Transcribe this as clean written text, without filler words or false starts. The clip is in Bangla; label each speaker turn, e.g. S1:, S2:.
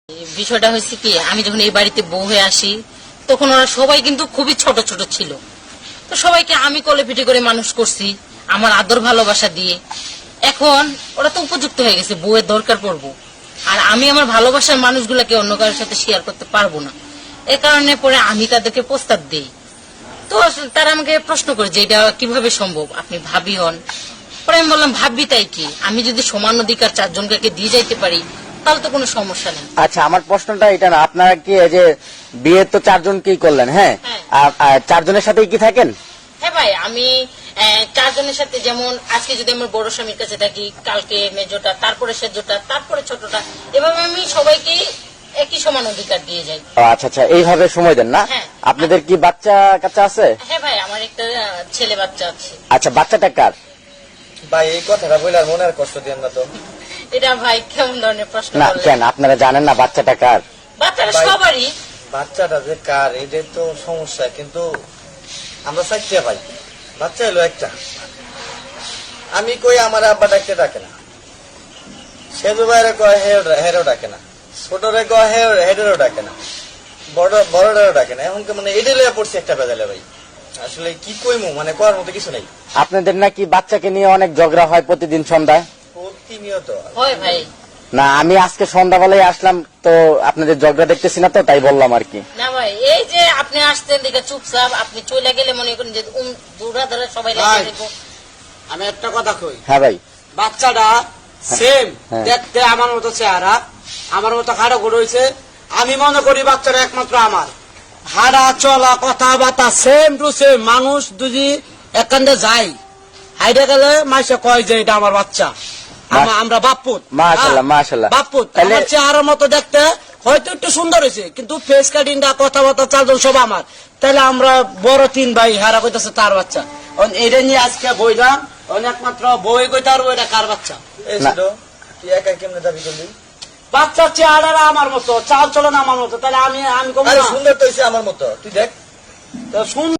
S1: বিষয়টা হয়েছে কি, আমি যখন এই বাড়িতে বউ হয়ে আসি তখন ওরা সবাই কিন্তু খুবই ছোট ছোট ছিল। তো সবাইকে আমি কোলে পিঠে করে মানুষ করছি আমার আদর ভালোবাসা দিয়ে। এখন ওরা তো উপযুক্ত হয়ে গেছে, বউয়ের দরকার পড়বো, আর আমি আমার ভালোবাসার মানুষগুলাকে অন্য কারোর সাথে শেয়ার করতে পারবো না। এ কারণে পরে আমি তাদেরকে প্রস্তাব দিই। তো তারা আমাকে প্রশ্ন করে যে এটা কিভাবে সম্ভব, আপনি ভাবি হন। পরে আমি বললাম ভাবি তাই কি, আমি যদি সমান অধিকার 4 জনকে দিয়ে যাইতে পারি তাহলে তো কোনো সমস্যা নেই।
S2: আচ্ছা, আমার প্রশ্নটা এটা না, আপনারা কি এই যে বিয়ে তো 4 জনকেই করলেন, হ্যাঁ, আর 4 জনের সাথেই কি থাকেন?
S1: হ্যাঁ ভাই, আমি 4 জনের সাথে, যেমন আজকে যদি আমার বড় স্বামীর কাছে থাকি, কালকে মেজোটা, তারপরে সেজোটা, তারপরে ছোটটা, এভাবে আমি সবাইকে একই সমান অধিকার দিয়ে যাই।
S2: আচ্ছা আচ্ছা, এইভাবে সময় দেন না?
S1: হ্যাঁ।
S2: আপনাদের কি বাচ্চা কাচ্চা আছে?
S1: হ্যাঁ ভাই, আমার একটা ছেলে বাচ্চা আছে।
S2: আচ্ছা, বাচ্চাটা কার?
S3: ভাই এই কথাটা বলে আর মনে আর কষ্ট দিন না তো।
S1: এটা ভাই কেমন ধরনের প্রশ্ন
S2: না
S1: করলেন?
S2: কেন, আপনারা জানেন না বাচ্চাটা কার?
S1: বাচ্চাটা
S3: ভাই,
S1: সবারই।
S3: বাচ্চাটা যে কার এটাই তো সমস্যা, কিন্তু আমরা চাইতে ভাই বাচ্চা এলো একটা। আমি কই আমার আব্বা ডাকতে ডাকে না, সেজু ভাইরে কয় হেরও ডাকে না, ছোটরে কয় হেডেরও ডাকে না, বড়টারও ডাকে না। এখন মানে এডে লয়ে পড়ছে একটা বেজালে ভাই। আসলে কি কইমু, মানে করার মতো কিছু নেই।
S2: আপনাদের নাকি বাচ্চাকে নিয়ে অনেক ঝগড়া হয় প্রতিদিন সন্ধ্যায়?
S3: প্রতিনিয়ত
S1: হয় ভাই।
S2: না, আমি আজকে সন্ধ্যাবেলায় আসলাম তো আপনাদের ঝগড়া দেখতেছি না, তো তাই বললাম আর কি।
S1: না ভাই, এই যে আপনি আসতেন দেখে চুপচাপ, আপনি চলে গেলে মনে করেন যে দূরা ধরে সবাই
S4: ভাই,
S1: লাগিয়ে দেবো।
S4: আমি একটা কথা কই,
S2: হ্যাঁ ভাই,
S4: বাচ্চাটা সেম
S2: হ্যাঁ।
S4: দেখতে আমার মতো চেহারা, আমার মতো খাড়া করে হয়েছে। আমি মনে করি বাচ্চাটা একমাত্র আমার। হাঁটা চলা কথাবার্তা সেম টু সেম। মানুষ যদি একান্তে যাই হাইডে গেলে মাইসে কয় যে এটা আমার বাচ্চা, আমরা বাপ্পুত।
S2: মাশাআল্লাহ, মাশাআল্লাহ।
S4: বাপ্পুত
S2: তাহলে-
S4: আমার চেহারার মতো দেখতে হয়তো একটু সুন্দর হয়েছে, কিন্তু ফেস কাটিংটা কথাবার্তা 4 জন সব আমার। তাহলে আমরা বড় 3 ভাই, হারা কইতাছে তার বাচ্চা। এটা নিয়ে আজকে বইলাম, একমাত্র বই কইতে পারবো এটা কার বাচ্চা।
S3: এই
S2: না।
S3: ছিল তুই একা কেমনে দাবি করলি?
S4: বাচ্চার চেহারা আমার মতো, চাল চলন আমার মতো, তাহলে আমি কম
S3: আরে সুন্দর তো হইছে আমার মতো, তুই দেখ।
S4: সুন্দর